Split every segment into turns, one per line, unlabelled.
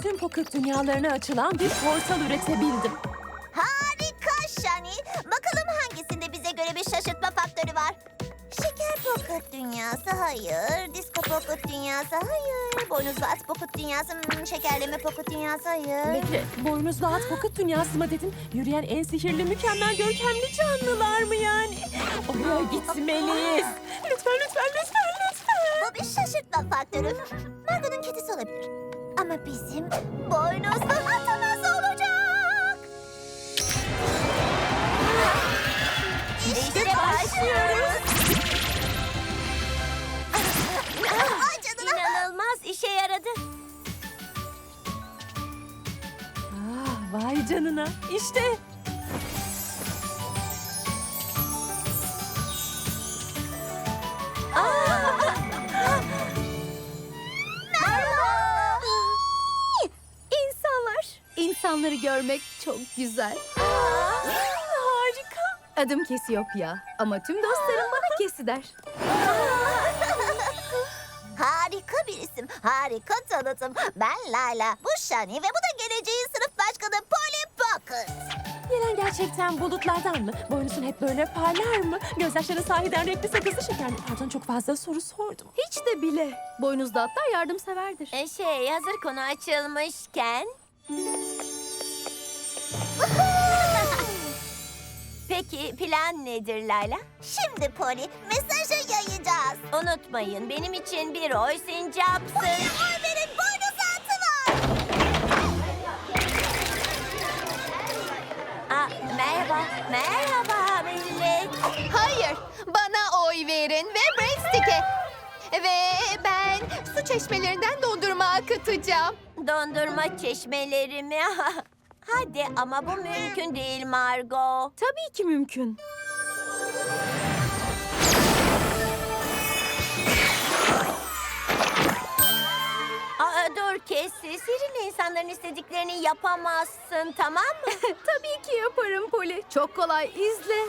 tüm pocket dünyalarına açılan bir portal üretebildim.
Harika Shani. Bakalım hangisinde bize göre bir şaşırtma faktörü var? Şeker pocket dünyası hayır. Disco pocket dünyası hayır. Boynuzlu at pocket dünyası şekerleme pocket dünyası hayır.
Bekle, boynuzlu at pocket dünyası mı dedin? Yürüyen en sihirli, mükemmel, görkemli canlılar mı yani? Oraya gitmeliyiz. Lütfen, lütfen, lütfen, lütfen.
Bu bir şaşırtma faktörü. Margo'nun kedisi olabilir. Ama bizim boynuzlu atımız olacak. İşte başlıyoruz. Ay canına. İnanılmaz işe yaradı.
Vay canına, işte.
İnsanları görmek çok güzel.
Harika.
Adım Cassiopeia ama tüm dostlarım bana Cassie der.
Harika bir isim, harika tanıtım. Ben Layla, bu Shani ve bu da geleceğin sınıf başkanı Polly Pocket.
Gelen gerçekten bulutlardan mı? Boynuzun hep böyle parlar mı? Gözyaşları sahiden renkli sakızlı şekerli. Pardon, çok fazla soru sordum.
Hiç de bile. Boynuzlu atlar yardımseverdir.
Hazır konu açılmışken... Peki plan nedir Layla? Şimdi Polly, mesajı yayacağız. Unutmayın, benim için bir oy sincapsın. Oy verin, boynuz atı var. Merhaba millet.
Hayır, bana oy verin ve breadstick'e. Ve ben su çeşmelerinden dondurma akıtacağım.
Dondurma çeşmeleri mi? Hadi ama bu mümkün değil Margo.
Tabii ki mümkün.
Dur Cassie, sihirli insanların istediklerini yapamazsın, tamam mı?
Tabii ki yaparım Polly. Çok kolay, izle.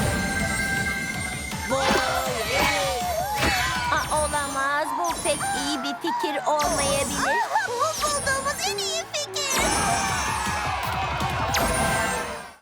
Olamaz, bu pek iyi bir fikir olmayabilir. Bu bulduğumuz en iyi fikir.